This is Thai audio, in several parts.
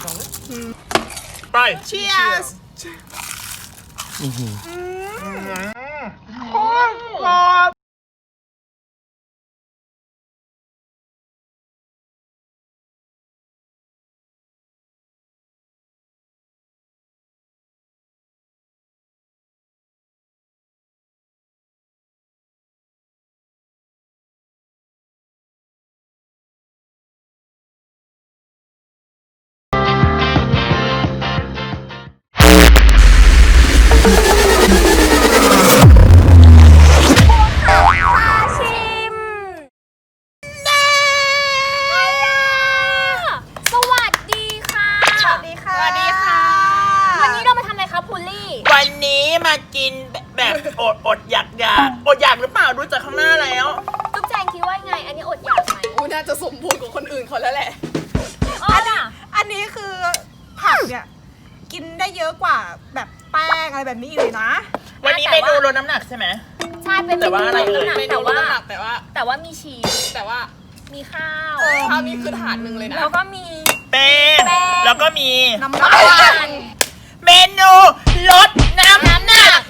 ไป Cheers โคตรกรอบวันนี้มากินแบบอดอยากหรือเปล่าดูจากข้างหน้าแล้วตุ๊กแจงคิดว่าไงอันนี้อดอยากไหมน่าจะสมบูรณ์กว่าคนอื่นเขาแล้วแหละอันนี้คือผักเนี่ยกินได้เยอะกว่าแบบแป้งอะไรแบบนี้เลยนะวันนี้เมนูลดน้ำหนักใช่ไหมใช่เป็นเมนูลดน้ำหนักแต่ว่ามีชีสแต่ว่ามีข้าวข้าวนี่คือถาดหนึ่งเลยนะแล้วก็มีแป้งแล้วก็มีน้ำมันเมนูลดน้ำหนัก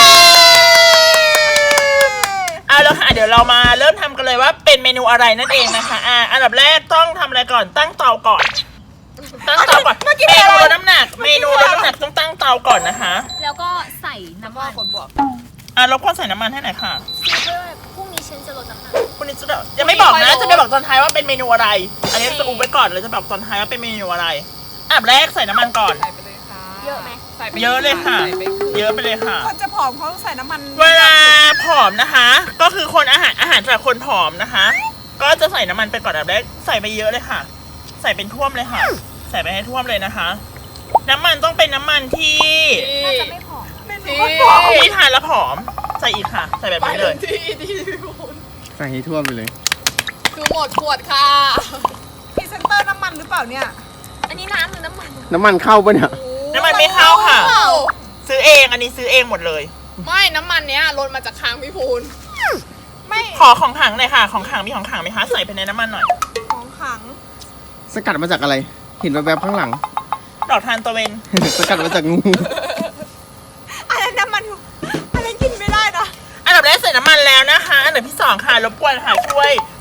เอาแล้วค่ะเดี๋ยวเรามาเริ่มทำกันเลยว่าเป็นเมนูอะไรนั่นเองนะคะอันดับแรกต้องทำอะไรก่อนตั้งเตาก่อนเมนูลดน้ำหนักต้องตั้งเตาก่อนนะคะแล้วก็ใส่น้ำมันคนบวกรบกวนใส่น้ำมันให้หน่อยค่ะเพื่อพรุ่งนี้ฉันจะลดน้ำหนักพรุ่งนี้จะยังไม่บอกนะจะไปบอกตอนท้ายว่าเป็นเมนูอะไรอันนี้จะอุบไว้ก่อนเลยจะบอกตอนท้ายว่าเป็นเมนูอะไรอันดับแรกใส่น้ำมันก่อนเยอะไหมเยอะเลยค่ะเยอะไปเลยค่ะคนจะผอมเขาใส่น้ำมันเวลาผอมนะคะก็คือคนอาหารสำหรับคนผอมนะคะก็จะใส่น้ำมันไปก่อนอันดับแรกใส่ไปเยอะเลยค่ะใส่เป็นท่วมเลยค่ะใส่ไปให้ท่วมเลยนะคะน้ำมันต้องเป็นน้ำมันที่น่าจะไม่ผอมที่ทานแล้วผอมใส่อีกค่ะใส่แบบนี้เลยใส่ให้ท่วมไปเลยคือหมดขวดค่ะพรีเซนเตอร์น้ำมันหรือเปล่าเนี่ยอันนี้น้ำหรือน้ำมันเข้าปะเนี่ยน้ำมันไม่เข้าค่ะซื้อเองอันนี้ซื้อเองหมดเลยไม่น้ำมันเนี้ยลดมาจากค้างพี่พูนไม่ขอของขังหน่อยค่ะของขังมีของขังไหมคะใส่ไปในน้ำมันหน่อยของขังสกัดมาจากอะไรเห็นแวบๆข้างหลังดอกทานตะเวนสกัดมาจากงูอะไรน้ำมันอะไรกินไม่ได้นะอันดับแรกใส่น้ำมันแล้วนะคะอันดับที่2ค่ะรบกวนค่ะช่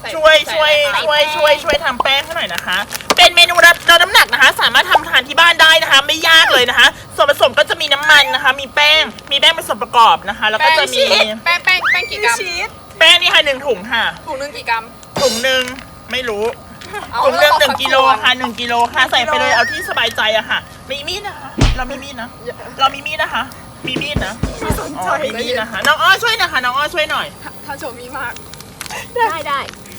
วยทำแป้งให้หน่อยนะคะเป็นเมนูลดน้ำหนักนะคะสามารถทำทานที่บ้านได้นะคะไม่ยากเลยนะคะส่วนผสมก็จะมีน้ำมันนะคะมีแป้งเป็นส่วนประกอบนะคะแล้วก็จะมีแป้งกี่กรัมแป้งนี่ค่ะ1 ถุงค่ะถุงนึงกี่กรัมถุงนึงไม่รู้ถุงนึง1 กิโลค่ะ1 กิโลค่ะใส่ไปเลยเอาที่สบายใจอะค่ะมีมีดนะคะเรามีมีดนะมีมีดนะคะมีมีดนะมีมีดนะคะน้องอ้อช่วยนะคะน้องอ้อช่วยหน่อยถ้าโชมีมากได้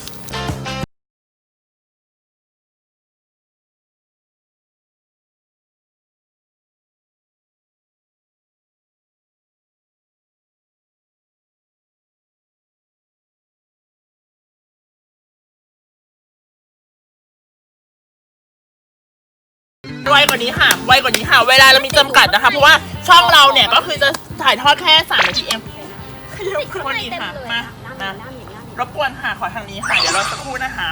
ไวกว่านี้ค่ะเวลาเรามีจำกัดนะคะเพราะว่าช่องเราเนี่ยก็คือจะถ่ายทอดแค่3 นาทีเองคนนี้ค่ะมารบกวนค่ะขอทางนี้ค่ะเดี๋ยวรอสักครู่นะคะ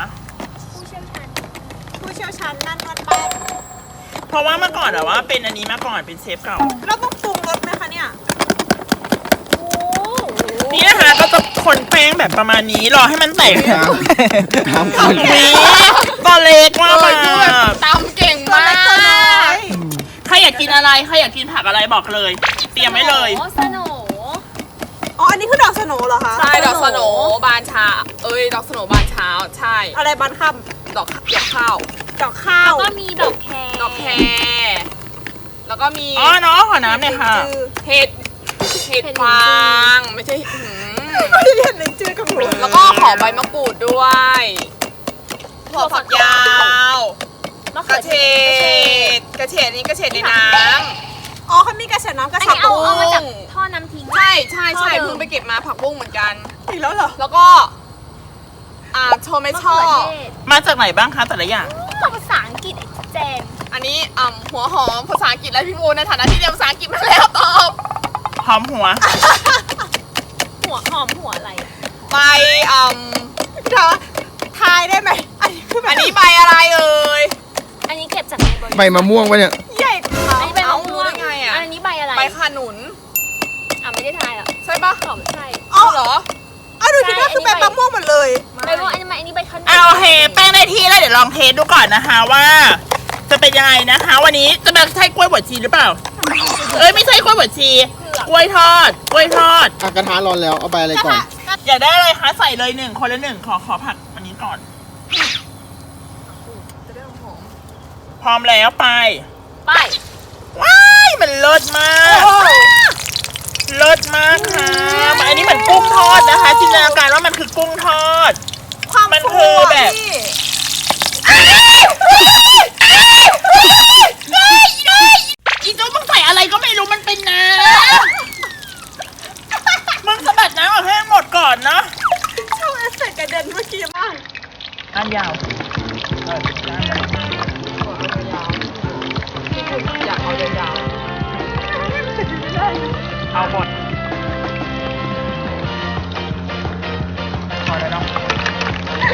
ผู้เชี่ยวชาญนั่นมันแป้งเพราะว่าเมื่อก่อนอะว่าเป็นอันนี้มาก่อนเป็นเชฟเก่าเราต้องปรุงรสไหมคะเนี่ยนี่นะคะก็จะคนแป้งแบบประมาณนี้รอให้มันแตกตอนเล็กมากตำเก่งมากใครอยากกินอะไรใครอยากกินผักอะไรบอกเลยเตรียมไว้เลยสโหน่อันนี้คือดอกสโหน่เหรอคะใช่ดอกสโหน่บานเช้าดอกสโหน่บานเช้าใช่อะไรบานค่ำดอกข้าวแล้วก็มีดอกแคแล้วก็มีน้องขอน้ำเนี่ยค่ะเห็ดฟางไม่ใช่เรียนในชื่อกับหนูแล้วก็ขอใบมะกรูดด้วยถั่วฝักยาวกระเฉดนี่กระเฉดในน้ำเขามีกระเฉดน้ำกระฉับบุ้งเอามาจากท่อน้ำทิ้งใช่เพิ่งไปเก็บมาผักบุ้งเหมือนกันอีกแล้วเหรอแล้วก็โทเมโต้มาจากไหนบ้างคะแต่ละอย่างภาษาอังกฤษแจนอันนี้หัวหอมภาษาอังกฤษและพี่บูในฐานะที่เรียนภาษาอังกฤษมาแล้วตอบหอมหัวอะไรใบทายได้ไหมอันนี้ใบอะไรเอ่ยอันนี้เก็บจากในบริใบมะม่วงปะเนี่ยใหญ่กว่าอันนี้ใบมะม่วงได้ไงอ่ะอันนี้ใบอะไรใบขนุนอ่ะไม่ได้ทายอ่ะใช่ปะตอบใช่เอาเหรอเอาดูคิดว่าคือเป็นมะม่วงหมดเลยใบม่วงอันนี้ใบขนุนเอาโอเคแป้งได้ที่แล้วเดี๋ยวลองเทสดูก่อนนะคะว่า จะเป็นยังไงนะคะ วันนี้จะเป็นใช่กล้วยบวชชีหรือเปล่า เอ้ยไม่ใช่กล้วยบวชชีกล้วยทอดกล้วยทอดกระทะร้อนแล้ว เอาใบอะไรก่อนอยากได้อะไรคะใส่เลยหนึ่งคนละหนึ่งขอผักอันนี้ก่อนจะได้หอมพร้อมแล้วไปไปว้ายมันเลิศมากเลิศมากค่ะอันนี้เหมือนกุ้งทอดนะคะจินตนาการว่ามันคือกุ้งทอดความมันฟูคืออะแบบพี่อีโจ้มึงใส่อะไรก็ไม่รู้มันเป็นน้ำมึงสะบัดน้ำออกให้หมดก่อนนะชอบเอฟเฟกต์กระเด็นเมื่อกี้มากอันยาวได้เลยอยากเอายาวเอาหมดพอแล้วเนาะ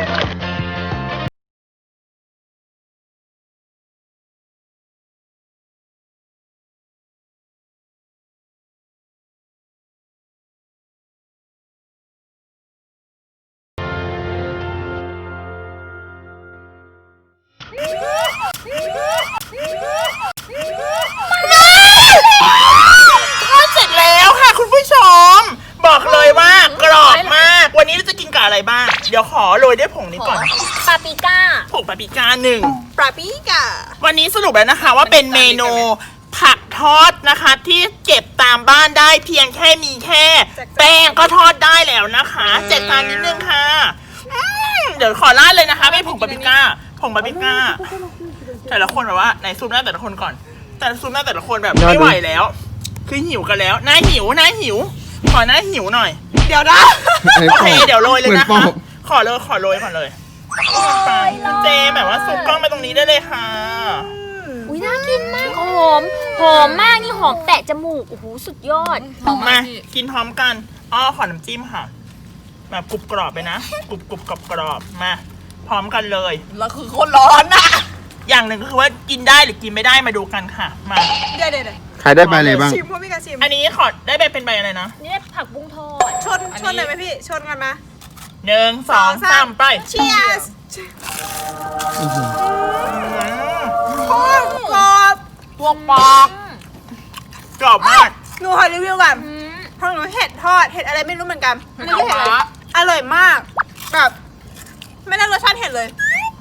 ทอดเสร็จแล้วค่ะคุณผู้ชม บอกเลยว่ากรอบมาก วันนี้เราจะกินกับอะไรบ้าง เดี๋ยวขอโรยด้วยผงนี้ก่อนปาปริก้าผงปาปริก้าหนึ่งปลาปีกะวันนี้สรุปแล้วนะคะว่าเป็นเมนูผักทอดนะคะ ที่เก็บตามบ้านได้เพียงแค่มีแค่ แป้งก็ทอดได้แล้วนะคะแจกจานนิดนึงค่ะเดี๋ยวขอราดเลยนะคะไม่ผงปาปริก้าผงปาปริก้าแต่ละคนแบบว่าไหนซูมหน้าแต่ละคนก่อน แต่ซูมหน้าแต่ละคนแบบไม่ไหวแล้ว คือหิวกันแล้วหน้าหิวขอหน้าหิวหน่อยเดี๋ยวนะโอเคเดี๋ยวโรยเลยเหมือนะปอคะบขอโรยก่อนเลยไปเจแบบว่าซุปกล้องไปตรงนี้ได้เลยค่ะอุ้ยน่ากินมากหอมมากนี่หอมแตะจมูกโอ้โหสุดยอดๆหอมมาพี่กินพร้อมกันอ้อขอน้ำจิ้มค่ะแบบกรุบกรอบไปนะกรุบกรอบมาพร้อมกันเลยแล้วคือคนร้อนน่ะอย่างหนึ่งก็คือว่ากินได้หรือกินไม่ได้มาดูกันค่ะมาเดี๋ยวใครได้ใบอะไรบ้างชิมพวกพี่กะชิมอันนี้ขอได้ไปเป็นใบอะไรนะนี่ได้ผักบุ้งทอดชนเลยไหมพี่ ชนกันมา 1 2 3ไป Cheers อืมโคตรกรอบพวกปอกกรอบมากหนูขอรีวิวก่อนอืมเพราะหนูเห็ดทอด เห็ดอะไรไม่รู้เหมือนกันเห็ดไม่รู้เห็ดอะไรฟ้าอร่อยมากแบบไม่ได้รสชาติเห็ดเลย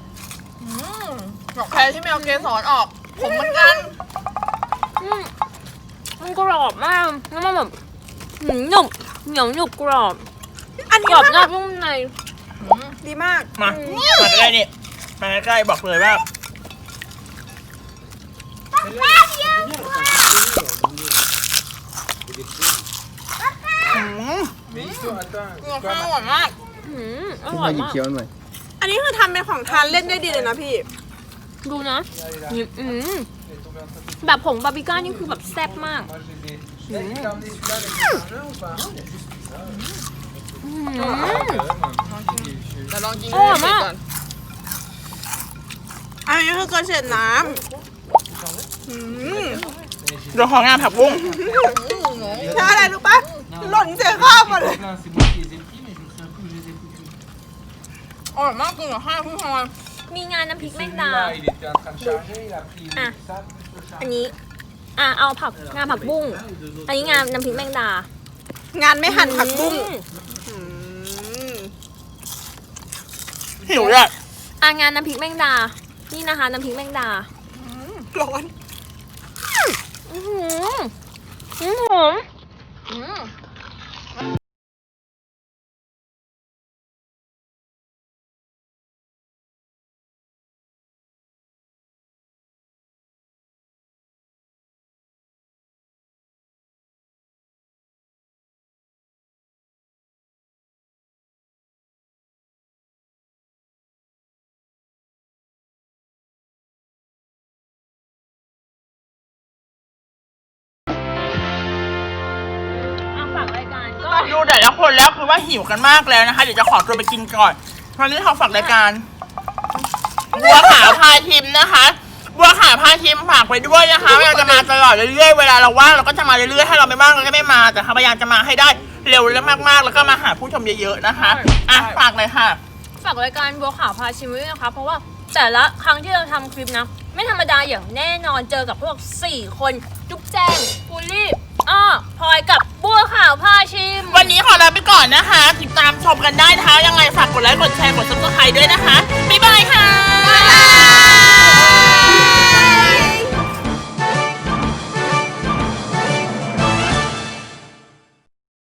บอกใครที่ไม่เอาเกสรออก ผมเหมือนกันมันกรอบมากแล้วมันแบบหนุบเหนียวหนุบกรอบอันนี้กรอบนอมากนุ่มในดีมากมาใกล้ๆนี่มาใกล้ๆบอกเลยว่าอืมเนื้อข้าวอร่อยมากอขึ้นร่อมาย หยิบมากเคี้ยวหน่อยอันนี้คือทำเป็นของทานเล่นได้ดีเลยนะพี่ดูนะนี่แบบผงปาปริก้านี่คือแบบแซ่บมากแต่ลองกินอร่อยมากก่อนอันนี้คือกระเฉดน้ำอืมเดี๋ยวของงานผักบุ้งแล้วอะไรรู้ปะหล่นเสียข้าวหมดเลยอร่อยมากกินกับข้าวพี่พลอยมีงานน้ำพริกแมงดา Il était en train de charger, il a pris le Ah. sable pour charger. อันนี้เอางานผักบุ้ง อันนี้งานน้ำพริกแมงดางานไม่หั่นผักบุ้งอืมอืมหิวเลยงานน้ำพริกแมงดา นี่นะคะน้ำพริกแมงดาร้อนอื้อหือหอม ฝากรายการก็ดูแต่ละคนแล้วคือว่าหิวกันมากแล้วนะคะ เดี๋ยวจะขอตัวไปกินก่อนวันนี้ขอฝากรายการ บัวขาวพาทิมนะคะ บัวขาวาวพาชิมฝากไว้ด้วยนะคะเราจะมาตลอดเรื่อยๆเวลาเราว่างเราก็จะมาเรื่อยๆถ้าเราไม่ว่างเราก็ไม่มาแต่พยายามจะมาให้ได้เร็วและมากๆแล้วก็มาหาผู้ชมเยอะๆนะคะอ่ะฝากเลยค่ะฝากรายการบัวขาวพาชิมไว้ด้วยนะคะเพราะว่าแต่ละครั้งที่เราทำคลิปนะไม่ธรรมดาอย่างแน่นอนเจอกับพวก4คนจุ๊บแจงฟูลี่พลอยกับบัวขาวพาชิมวันนี้ขอลาไปก่อนนะคะติดตามชมกันได้นะคะยังไงฝากกดไลค์กดแชร์กด subscribe ด้วยนะคะ